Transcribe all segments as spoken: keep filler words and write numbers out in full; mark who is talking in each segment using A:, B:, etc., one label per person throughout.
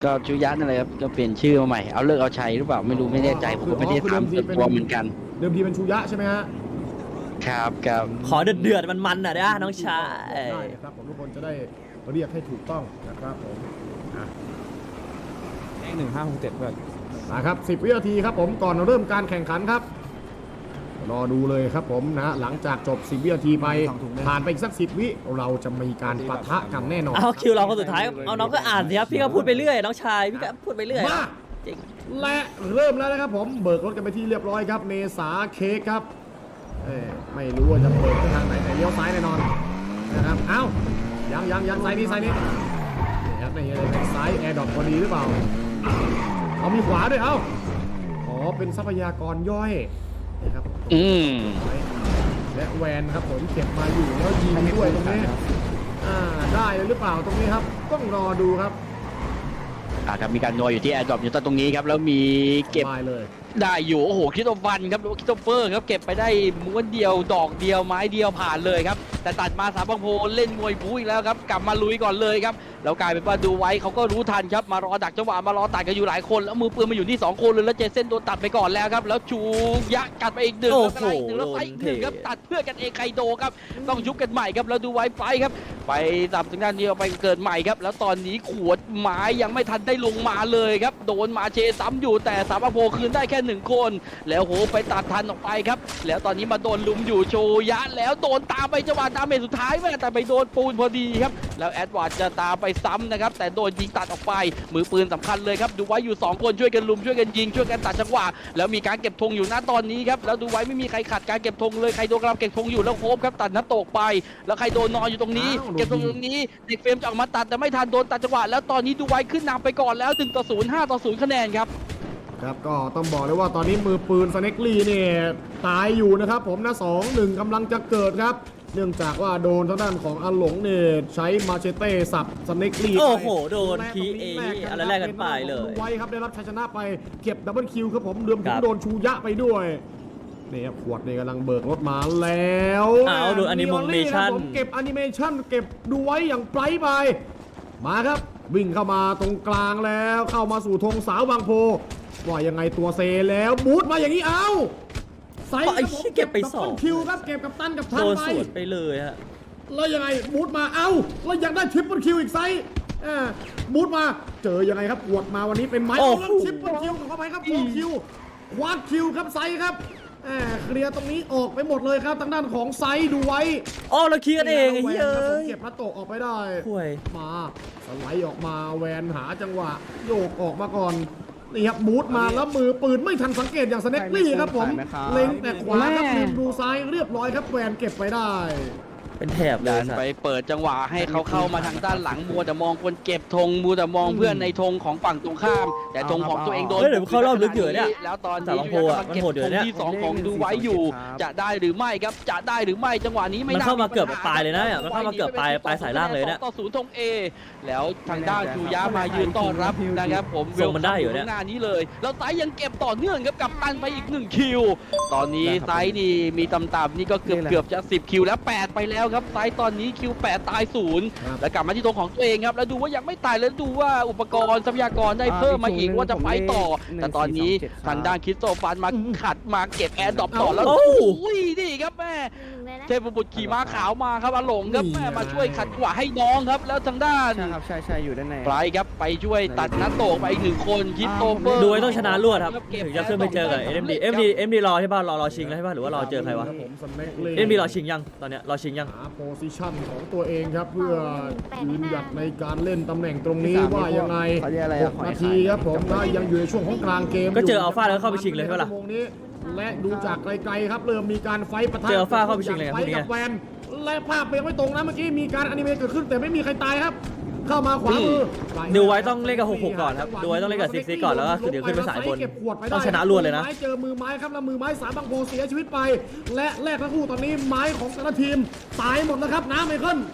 A: ก็ชูยะนั่นแหละครับก็เปลี่ยนชื่อมาใหม่เอาเลิกเอาชัยหรือเปล่าไม่รู้ไม่แน่ใจผมก็ไม่ได้ถามส่วนตัวเหมือนกัน
B: เดิมทีเป็นชูยะใช่ไหมฮะ
A: ครับครับ
C: ขอเดือดเดือดมันมันอ่ะนะน้องชาย
B: ได้ครับผมทุกคนจะได้เรียกให้ถูกต้องนะครับผม
D: เลขหนึ่งห้าหกเจ็ดเพื่อน
B: นะครับสิบวินาทีครับผมก่อนเริ่มการแข่งขันครับรอดูเลยครับผมนะหลังจากจบสิบวินาทีไปผ่านไปอีกสักสิบวิเราจะมีการปะทะกันแน่นอน
C: เอาคิวเราคนสุดท้ายเอาน้องก็อ่านสิครับพี่ก็พูดไปเรื่อยน้องชายพี่ก็พูดไปเรื่อย
B: มาจริงและเริ่มแล้วนะครับผมเบิกรถกันไปที่เรียบร้อยครับเมษาเค้กครับไม่รู้ว่าจะเปิดทางไหนแต่เลี้ยวซ้ายแน่นอนนะครับเอ้ายังยังยังซ้ายนี้ซ้ายนี้นี่ครับนี่เลยซ้ายแอร์ดรอปพอดีหรือเปล่าเอามีขวาด้วยเอ้าอ๋อเป็นทรัพยากรย่อยนี่ครับ
A: อืม
B: และแวนครับผมเก็บมาอยู่แล้วยิงด้วยตรงนี้อ่าได้เลยหรือเปล่าตรงนี้ครับต้องรอดูครับ
A: อ่าครับมีการนัวอยู่ที่แอร์ดรอปอยู่ตรงนี้ครับแล้วมีเก็บ
B: เลย
A: ได้อยู่โอ้โหคริสโตฟันครับคริสโตเฟอร์ครับเก็บไปได้ม้วนเดียวดอกเดียวไม้เดียวผ่านเลยครับแต่ตัดมาสามบังโพเล่นมวยบู๊อีกแล้วครับกลับมาลุยก่อนเลยครับแล้วกลายเป็นว่าดูไว้เขาก็รู้ทันครับมารอดักจังหวะมารอตัดกันอยู่หลายคนแล้วมือปืนมาอยู่ที่สองคนเลยแล้วเจเส้นโดนตัดไปก่อนแล้วครับแล้วชูยักกัดไปอีกหนึ่งแล้วก็อีกหนึ่งแล้วไปอีกหนึ่งครับตัดเพื่อกันเองไคโดครับต้องยุบกันใหม่ครับแล้วดูไว้ไปครับไปสับทางด้านนี้ไปเกิดใหม่ครับแล้วตอนนี้ขวดไม้ยังไม่ทันได้ลงมาเลยครับโดนมาเชซ้ำอยู่แต่สามบังโพคืนได้แค่หนึ่งคนแล้วโหไปตัดทันออกไปครับแล้วตอนนี้มาโดนลุมอยู่โชยะแล้วโดนตามไปจังหวะดาเมจสุดท้ายแม่แต่ไปโดนปูนพอดีครับแล้วแอดวาร์ดจะตามไปซ้ำนะครับแต่โดนยิงตัดออกไปมือปืนสำคัญเลยครับดูไว้อยู่สองคนช่วยกันลุมช่วยกันยิงช่วยกันตัดจังหวะแล้วมีการเก็บธงอยู่ณตอนนี้ครับแล้วดูไว้ไม่มีใครขัดการเก็บธงเลยใครโดนกำลังเก็บธงอยู่แล้วโคบครับตัดหน้าตกไปแล้วใครโดนนอนอยู่ตรงนี้เก็บตรงนี้เด็กเฟรมจะออกมาตัดแต่ไม่ทันโดนตัดจังหวะแล้วตอนนี้ดูไว้ขึ้นนำไปก่อนแล้วหนึ่งต่อศูนย์ห้าต่อศูนย์คะแนนครับ
B: ครับก็ต้องบอกเลยว่าตอนนี้มือปืนสเน็กลี่เนี่ยตายอยู่นะครับผมนะสองหนึ่งกำลังจะเกิดครับเนื่องจากว่าโดนทางด้านของอาหลงเนี่ยใช้มาเชเต้สับสเน็กลี่
C: โอ้โหโดนคีเออะไรแรกกันไปเลย
B: ไว้ครับได้รับชัยชนะไปเก็บดับเบิลคิวครับผมเดือมถึงโดนชูยะไปด้วยนี่ครับขวดนี่กำลังเบิกรถมาแล้ว
C: อ้าวดูแอนิเมชั่น
B: ผมเก็บแอนิเมชั่นเก็บดูไว้อย่างไพรไปมาครับวิ่งเข้ามาตรงกลางแล้วเข้ามาสู่ธงสาวบางโพว่ายังไงตัวเซแล้วบูทมาอย่างนี้เอา
C: ใส่เก็บไปสอง
B: คิวครับเก็บกับตันกับทันไป
C: โดนสวนไปเลยฮะ
B: แล้วยังไงบูทมาเอาแล้วยังได้ทริปเปิลคิวอีกไซส์บูทมาเจอยังไงครับปวดมาวันนี้เป็นไม้แล้วทริปเปิลคิวเข้าไปครับโฟคิวควาดคิวครับไซส์ครับเคลียร์ตรงนี้ออกไปหมดเลยครับทางด้านของไซด์ดูไว้
C: อ๋อเราเคลียร์เอง
B: เฮ้ยเก็บพระโตออกไปได้มาสไลด์ออกมาแวนหาจังหวะโยกออกมาก่อนนี่ครับบูทมาแล้วมือปืนไม่ทันสังเกตอย่างสเน็กลี่ครับผมเล็งแต่ขวาครับลืมดูซ้ายเรียบร้อยครับแวนเก็บไปได้
C: เป็นแถบเลย
A: ไปเปิดจังหวะให้เขาเข้ามาทางด้านหลังมัวแต่มองคนเก็บธงมัวแต่มองเพื่อนในธงของฝั่งตรงข้ามแต่ธงของตัวเองโดน
C: เดี๋ยวเขารอบลึกอยู่เนี่ย
A: แล้วตอนนี้กำลังเก็บธงที่สองของดูไว้อยู่จะได้หรือไม่ครับจะได้หรือไม่จังหวะนี้ไม่
C: มันเข้ามาเกือบตายเลยนะมันเข้ามาเกือบปลายปลายสายล่างเลยเนี่ย
A: ต่อศูนย์ธงเอแล้วทางด้านจูยะมายืนต้อนรับนะครับผม
C: เวลมันได้อยู่เนี่ย
A: หน้านี้เลยแล้วไซยังเก็บต่อเนื่องครับกับตันไปอีกหนึ่งคิวตอนนี้ไซนี่มีต่ำๆนี่ก็เกือบเกือบจะสิบคิวแล้วแปดไปแล้วครับไซตอนนี้คิวแปดตายศูนย์แล้วกลับมาที่ตรงของตัวเองครับแล้วดูว่ายังไม่ตายแล้วดูว่าอุปกรณ์ทรัพยากรได้เพิ่มมาอีกว่าจะไปต่อแต่ตอนนี้ทางด้านคริสโตฟันมาขัดมาเก็บแอร์ดรอปต่อแล้วโอ้ยนี่ครับแม่เทพบุตรขี่ม้าขาวมาครับอาหลงครับแม่มาช่วยขัดขวาให้น้องครับแล้วทางด้าน
D: ใช่ครับใช่ใช่อยู่ด้านใน
A: ไปครับไปช่วยตัดนัดโตไปอีกหนึ่งคนคริสโตเฟอร์
C: ดูไว้ต้องชนะรวดครับถึงจะขึ้นไปเจอกับเอ็มดีเอ็มดีเอ็มดีรอใช่ป่ะรอรอชิงแล้วใช่ป่ะหรือว่ารอเจอใครวะเอ็มดีรอชิงยังตอนเนี้ยรอชิงยัง
B: หาโพซิชั่นของตัวเองครับเพื่อยืนหยัดในการเล่นตำแหน่งตรงนี้ว่ายังไงหกนาทีครับผมนะยังอยู่ในช่วงของกลางเกม
C: ก็เจออัลฟาแล้วเข้าไปชิงเลยใช่ป่ะล่ะ
B: และดูจากไกลๆครับเริ่มมีการไฟปะทะ
C: เจออัลฟาเข้าไปชิงเลย
B: ไฟกับแวนและภาพยังไม่ตรงนะเมื่อกี้มีการอนิเมะเกิดขึ้นแต่ไม่มีใครตายครับเข้ามาขวามือ
C: ดูไว้ต้องเล่นกับหกหกก่อนครับดูไว้ต้องเล่นกับซิกซิกก่อนแล้วก็เดี๋ยวขึ้นไปสายบนต้องชนะรวดเลยนะ
B: เจอมือไม้ครับแล้วมือไม้สามบางโพเสียชีวิตไปและแรกทั้งคู่ตอนนี้ไม้ของแต่ละทีมตายหมดแล้วครับน้ำไมเคิล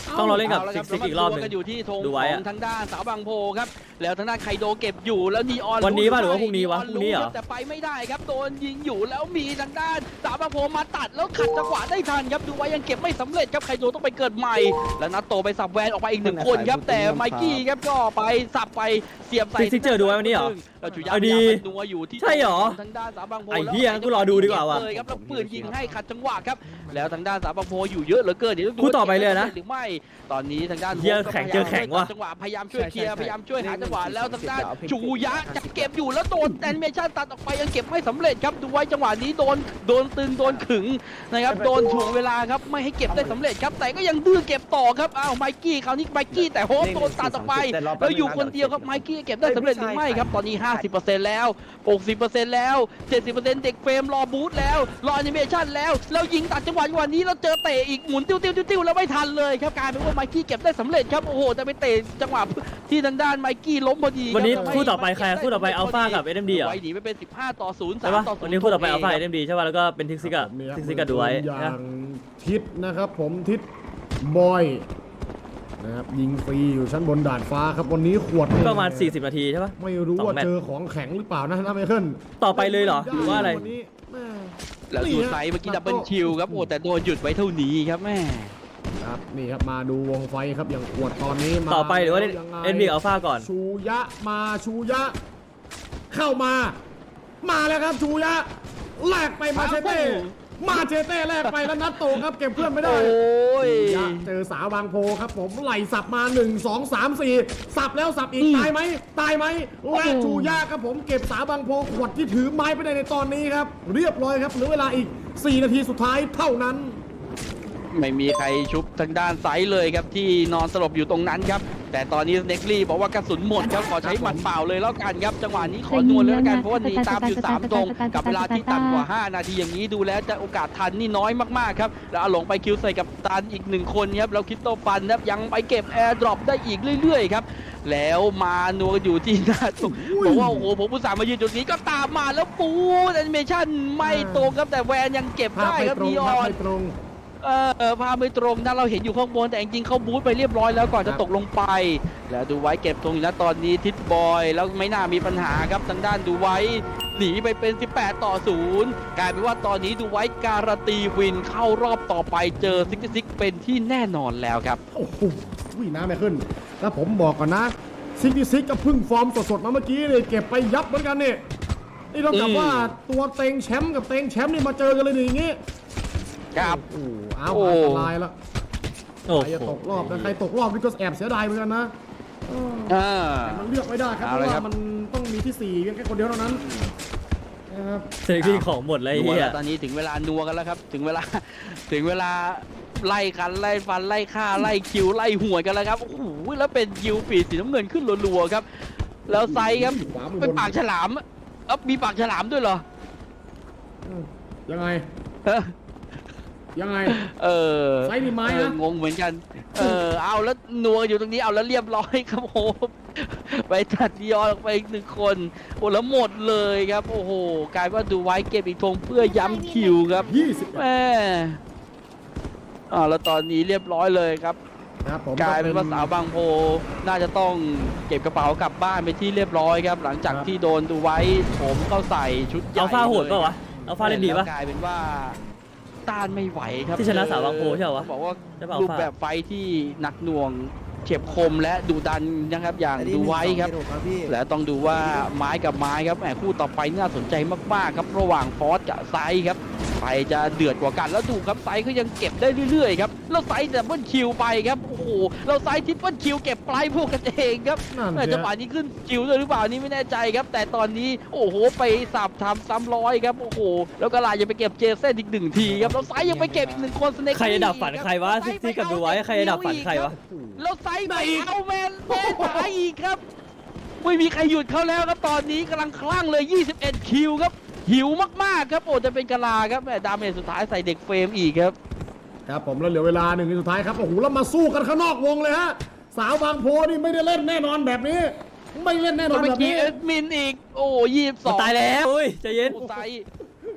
C: ต้องรอเล่นกับ
A: เอาละ
C: ซิ
A: ค
C: ก
A: บ
C: ซิกอีกรอบหนึง
A: แล้วมาดูกันอยู่ที่ธง
C: ดู
A: ข
C: ไว้
A: อ
C: อะ
A: งทางด้านสาวบางโพครับแล้วทางด้านไคโดเก็บอยู่แล้วนีออน
C: วันนี้ป่ะหรือว่า
A: ไ
C: พรุ่งนี้วะ
A: ออ
C: พรุ่งนี้เหรอ
A: คบแต่ไปไม่ได้ครับโดนยิงอยู่แล้วมีทางด้านสาวบางโพมาตัดแล้วขัดจังหวะได้ทันครับดูไว้ยังเก็บไม่สำเร็จครับไคโดต้องไปเกิดใหม่แล้วนัตโตไปสับแวนออกมาอีกหนึ่งคนครับแต่ไมกี้ครับก็ไปสับไปเสียบใส่
C: ซิกซิกเจอดูไว้วันนี้เหรอ
A: แล้วจุยา
C: เอา
A: พ
C: ดี
A: ยายามไปนัวอยู่ที่
C: ใช่เหรอ
A: ทางด้านสาวบางโพ
C: ไอ้เหี้ยกูรอดูดีกว่าว่ะ
A: เลยครับแล้วปืนยิงให้ขัดจังหวะครับแล้วทางด้านสาวบางโพอยู่เยอะเหลือเกินเดี๋ยวต้องดู
C: คู่ต่อไปเลยนะ
A: หรือไม่ตอนนี้ทางด้าน
C: เหี้ยแข็งเจอแข็งว่ะ
A: จังหวะพยายามช่วยเคลียร์
D: ใช่ใช่
A: พยายามช่วยหาจังหวะแล้วทางด้าน
D: เอาเพลง
A: จูยะจะเก็บอยู่แล้วโดนแอนิเมชันตัดออกไปยังเก็บไม่สำเร็จครับดูไว้จังหวะนี้โดนโดนตึงโดนขึงนะครับโดนถ่วงเวลาครับไม่ให้เก็บได้สำเร็จครับแต่ก็ยังดื้อเก็บต่อครับอ้าวไมกี้คราวนี้ไมกี้แต่โฮปโดนตัดออกไปแล้วอยู่คนเดียวครับไมกี้เก็บได้สำเร็จหรือไม่ครับตอนนี้ ห้าสิบเปอร์เซ็นต์ แล้ว หกสิบเปอร์เซ็นต์ แล้ว เจ็ดสิบเปอร์เซ็นต์ เด็กเฟรมรอบูทแล้วรอแอนิเมชันแล้วแล้วยิงตัดจังหวะจังหวะนี้แล้วเจอเตะอีกหมุนติ้วติ้วติ้วติ้วแล้วไม่ทันเลยครับกลายเป็นว่าไมกี้เก็บได้สำเร็จครับโอ้โหแต่ไปเตะจังหวะที่ทางด้านไมกี้ล้มพอดี
C: วันนี้
A: รับ
C: คู่ต่อไปใครคู่ต่อไปอัลฟากับเอ็มดีเหรอ
A: ไว้หนีไปเป็นสิบห้าต่อศูนย์
C: ใช่
A: สาม
C: ปะ
A: ต่อศูนย์
C: วันนี้คู่ต่อไปอัลฟาเอ็มดีใช่ป่ะแล้วก็เป็นทิกซิกอะ
B: นี่ครับ
C: ทิกซิกกับดูไว้
B: อย่า
C: นะ
B: งทิศนะครับผมทิศบอยนะครับยิงฟรีอยู่ชั้นบนดาดฟ้าครับวันนี้ขวด
C: ประมาณสี่สิบนาทีใช่ปะ
B: ไม่รู้
C: สอง
B: ว่า
C: แมตช์
B: เจอของแข็งหรือเปล่านะนะไมเคิล
C: ต่อไปเลยเหรอหรือว่าอะไร
B: วันนี้แม่
A: แล้วดูไซส์เมื่อกี้ดับเบิลคิวครับโอ้แต่โดนหยุดไว้เท่านี้ครับแม่
B: ครับนี่ครับมาดูวงไฟครับอย่างขวดตอนนี้มา
C: ต่อไปหรือว่า
B: ยังไง
C: เอ็นบีอัลฟาก่อน
B: ชูยะมาชูยะ เข้ามา มาแล้วครับชูยะแลกไปมาเชเต้มาเชเต้แลกไปแล้วนัดโตครับเก็บเพื่อนไม่ได้
A: โอ้ย
B: ชูยะเจอสาวบางโพครับผมไหลสับมาหนึ่ง สอง สาม สี่สับแล้วสับอีกตายไหมตายไหมและชูยะครับผมเก็บสาวบางโพขวดที่ถือไม้ไปได้ในตอนนี้ครับเรียบร้อยครับเหลือเวลาอีกสี่นาทีสุดท้ายเท่านั้น
A: ไม่มีใครชุบทางด้านไซส์เลยครับที่นอนสลบอยู่ตรงนั้นครับแต่ตอนนี้เน็กลี่บอกว่ากระสุนหมดครับขอใช้หมัดเปล่าเลยแล้วกันครับจังหวะนี้ขอนวลเลยแล้วกันเพราะว่าหนีตามอยู่สามตรงกับเวลาที่ต่ำกว่าห้านาทีอย่างนี้ดูแล้วจะโอกาสทันนี่น้อยมากๆครับแล้วเอาหลงไปคิวใส่กับตันอีกหนึ่งคนครับแล้วคิดโตฟันครับยังไปเก็บแอร์ดรอปได้อีกเรื่อยๆครับแล้วมานัวอยู่ที่หน้าตรงบอกว่าโอ้โหผมอุตส่าห์มายืนจุดนี้ก็ตามมาแล้วปูแอนิเมชั่นไม่ตรงครับแต่แวนยังเก็บ
B: ภาพ
A: ได้
B: ไม่
A: ครับ
B: ตรง
A: นีอ
B: ภาพ
A: อน
B: ไม่ตรง
A: เออภาพไม่ตรงนะเราเห็นอยู่ข้างบนแต่จริงๆเขาบูทไปเรียบร้อยแล้วก่อนจะตกลงไป แล้วดูไว้เก็บตรงอยู่นะตอนนี้ทิศบอยแล้วไม่น่ามีปัญหาครับทางด้านดูไว้หนีไปเป็นสิบแปดต่อศูนย์กลายเป็นว่าตอนนี้ดูไว้การันตีวินเข้ารอบต่อไปเจอซิกซิกเป็นที่แน่นอนแล้วครับ
B: โอ้โหวิ่งน้ำไม่ขึ้น แล้วผมบอกก่อนนะซิกซิกก็เพึ่งฟอร์มสดๆมาเมื่อกี้เลยเก็บไปยับเหมือนกันนี่นี่ต้องกลับ
A: อืม
B: ว่าตัวเต็งแชมป์กับเต็งแชมป์นี่มาเจอกันเลยนี่อย่างงี้
A: ครับ
B: โอ้โหเอา
A: โอ้
B: อันตรายแล้ว
C: โอ้
B: ใครจะ
C: โห
B: ตกรอบนะใครตกรอบนี่ก็แอบเสียดายเหมือนกันนะเออ
A: อ่า
B: แต่มันเลือกไม่ได้ครับเพ
A: เอา
B: ราะ
A: เลยครั
B: ว่า
A: บ
B: มันต้องมีที่สี่เพียงแค่คนเดียวเท่านั้นนะครับ
C: เซนที่ของหมดเลย
A: นั
C: ไอ้
A: ว
C: เฮี
A: แล้
C: ยว
A: ตอนนี้ถึงเวลานัวกันแล้วครับถึงเวลา ถึงเวลาไล่กันไล่ฟันไล่ฆ่าไล่คิวไล่หัวกันแล้วครับโอ้โหแล้วเป็นคิวปีดสีน้ำเงินขึ้นรัวๆครับแล้วไซส์ครับ
B: ขวามือ
A: เป็น
B: บน
A: ปากฉลามเอ้ามีปากฉลามด้วยเหรอ
B: อืมยังไง
A: เออ
B: ยังไง
A: เออ
B: ไซส์มีไม้นะ
A: เอองงเหมือนกัน เออ เอาแล้วนัวอยู่ตรงนี้ เอาแล้วเรียบร้อยครับโอ้โหไปตัดดิออนออกไปอีกหนึ่งคน โอ้แล้วหมดเลยครับ โอ้โห กลายว่าดูไว้เก็บอีกธงเพื่อย้ำคิวครับ
B: ยี่สิบ
A: แม่อ่าแล้วตอนนี้เรียบร้อยเลยครับ
B: ครับผม
A: กลายเป็นว่าสาวบางโพน่าจะต้องเก็บกระเป๋ากลับบ้านไปที่เรียบร้อยครับ หลังจากที่โดนดูไว้โผมเข้าใส่ชุดใหญ่
C: อัลฟาโหด
A: เลย
C: ป่าวะอัลฟาเล่นดีปะ
A: แล้วกลายเป็นว่าต้านไม่ไหวครับ
C: ที่ชนะสาวบางโพใช่เหรอวะ
A: บอกว่า
C: ใช่ป่ะ
A: รูปแบบไฟท์ที่หนักหน่วงเฉียบคมและดุดันนะครับอย่างดูไว้ครับ และต้องดูว่าไม้กับไม้ครับแหมคู่ต่อไปน่าสนใจมากๆครับระหว่างฟอสกับไซส์ครับใครจะเดือดกว่ากันแล้วดูครับไซส์ก็ยังเก็บได้เรื่อยๆครับแล้วไซส์ดับเบิลคิวไปครับโอ้โหเราไซส์ทริปเปิลคิวเก็บปลายพวกกันเองครับ
B: นั่น
A: แต่
B: สิ
A: จังหวะนี้ขึ้นคิวด้วยหรือเปล่านี่ไม่แน่ใจครับ แต่ตอนนี้โอ้โหไปสับทำซ้ำร้อยครับโอ้โหแล้วก็ลายยังไปเก็บเจเซนอีกหนึ่งทีครับแล้วไซส์ยังไปเก็บอีกหนึ่งคนสเนค
C: ใครจะดับฝันใครวะซิกซิกกับดูไว้ใครจะดับฝันใครวะ
A: แล้วไซส์ไปเอาแมนแมนตายอีกครับไม่มีใครหยุดเขาแล้วครับตอนนี้กำลังคลั่งเลยยี่สิบเอ็ดคิวครับหิวมากๆครับโอ้จะเป็นกะลาครับแหมดาเมจสุดท้ายใส่เด็กเฟรมอีกครับ
B: ครับผมแล้วเหลือเวลาหนึ่งนาทีสุดท้ายครับโอ้โหแล้วมาสู้กันข้างนอกวงเลยฮะสาวบางโพนี่ไม่ได้เล่นแน่นอนแบบนี้ ไม่เล่นแน่นอน
A: เมื่
B: แบ
A: อบ กี้
B: นี้
A: เอ็ดมินอีกโอ้ยี่สิบสอง
C: ตายแล้วอุ้ยใจเย็น
A: โอ้ไซส์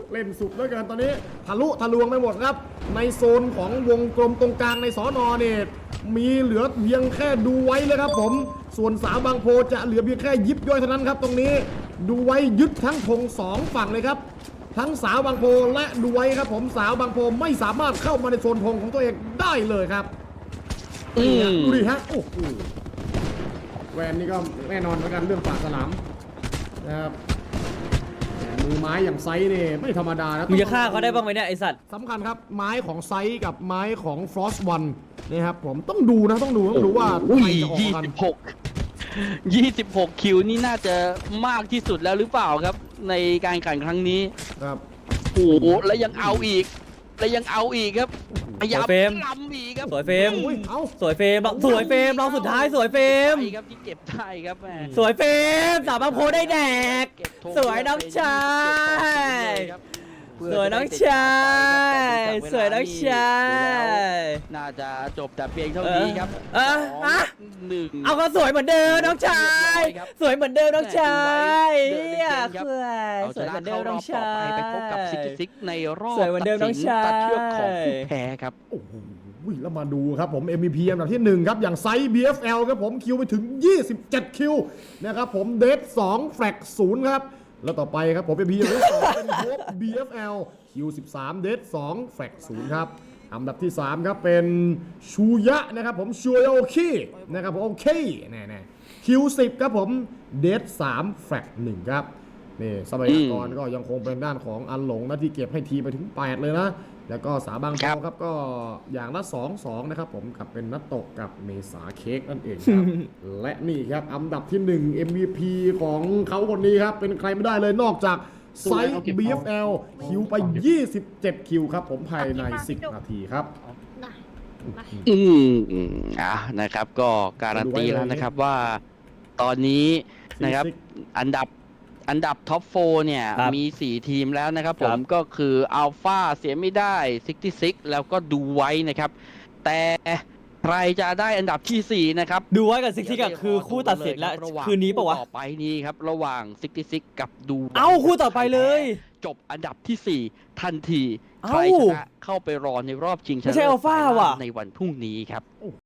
B: เล่นสุดแล้วกันตอนนี้ทะลุทะลวงไปหมดครับในโซนของวงกลมตรงกลางในสอนอเนี่ยมีเหลือเพียงแค่ดูไว้เลยครับผมส่วนสาวบางโพจะเหลือเพียงแค่ยิบย่อยเท่านั้นครับตรงนี้ดูไว้ยึดทั้งธงสองฝั่งเลยครับทั้งสาวบางโพและดูไว้ครับผมสาวบางโพไม่สามารถเข้ามาในโซนธงของตัวเองได้เลยครับ
A: อืม
B: ดูดิฮะโอ้โหแวนนี่ก็แน่นอนเหมือนกันเรื่องปากสนามนะครับมือไม้อย่างไซส์เนี่ยไม่ธรรมดานะ
C: มึงจะฆ่าเขาได้บ้างไหมเนี่ยไอสัตว์
B: สำคัญครับไม้ของไซส์กับไม้ของฟรอสวันนี่ครับผมต้องดูนะต้องดูต้องดูว่า
A: อุ้
B: ใค
A: ย
B: รจะออก
A: ยี่
B: กัน
A: สิบหกยี่สิบหกคิวนี่น่าจะมากที่สุดแล้วหรือเปล่าครับ ในการแข่งครั้งนี้
B: ครับ
A: โอ้โหแล้วยังเอาอีก แล้วยังเอาอีกครับพยายามล้ำอีกครับ
C: สวยเฟรม
B: อุ้ยเอา
C: สวยเฟรมสวยเฟรมรองสุดท้ายสวยเฟรม
A: ใช่ครับที่เก็บได้ครับแม่
C: สวยเฟรมสาวบางโพได้แดก
A: เก็บธง
C: สวยน้องชาย
A: เพื่อ
C: สวยน้องชายสวยน้องชาย
A: น่าจะจบแต่เพียงเท่านี้ครับ
C: เออ
A: สอง
C: ฮะ
A: หนึ่ง
C: เอาก็สวยเหมือนเดิมน้องชาย
A: เรียบร้อยครับ
C: สวยเหมือนเดิมน้องชาย
A: เดินเล่น
C: เนี่ย
A: เกมครับ
C: สวย
A: เอา
C: ส
A: ช
C: วยเห
A: นะ
C: มือนเดิ
A: เข้าม ร
C: น้อ
A: อง บต่อ
C: ชาย
A: ไปไปพบกับซิกซิกในรอบ
C: สวยเหมือนเดิมน้องชาย
A: ตัดเชือกของผู้แพ้ครับ
B: โอ้โหแล้วมาดูครับผม เอ็ม วี พี อันดับที่หนึ่งครับอย่างไซส์ บี เอฟ แอล ครับผมคิวไปถึงยี่สิบเจ็ดคิวนะครับผมเดฟสองแฟลกศูนย์ครับแล้วต่อไปครับผม เอ็ม วี พี อันดับที่สองเป็นโฮป บี เอฟ แอล คิวสิบสามเดฟสองแฟลกศูนย์ครับอันดับที่สามครับเป็นชูยะนะครับผมชูยะโอเคนะครับผมโอเคแน่ๆคิวสิบครับผมเดฟสามแฟลกหนึ่งครับนี่ทรัพยากรก็ยังคงเป็นด้านของอันหลงนะที่เก็บให้ทีไปถึงแปดเลยนะแล้วก็สาบางโพ
A: ครับ
B: ครับก็อย่างละสอง สองนะครับผมกับเป็นนัตโตะกับเมษาเค้กนั่นเองครับ และนี่ครับอันดับที่หนึ่ง เอ็ม วี พี ของเขาคนนี้ครับเป็นใครไม่ได้เลยนอกจากไซส์ บี เอฟ แอล คิวไปยี่สิบเจ็ดคิวครับผมภายในสิบนาทีครับ
A: อืมอืมอ่ะนะครับก็การันตีแล้วนะครับว่าตอนนี้นะครับอันดับอันดับท็อปโฟร์เนี่ย
C: ครับ
A: มีสี่ทีมแล้วนะครับผ
C: ครั
A: ม
C: บ
A: ก็คืออัลฟาเสียไม่ได้ซิกซิกแล้วก็ดูไว้นะครับ แต่ใครจะได้อันดับที่สี่นะครับ
C: ดูไว้กับซิกซิกอะคือคู่ตัดสินแล้ว
A: ระหาง
C: คืนนี้ปะวะ
A: ต่อไปนี้ครับระหว่างซิกซิกกับดูไว้
C: เอ้าคู่ต่อไปเลย
A: จบอันดับที่สี่ทันที
C: เอ้า
A: ใครชนะเข้าไปรอในรอบชิงชนะ
C: ไม่ใช่อัลฟาว่ะ
A: ในวันพรุ่งนี้ครับ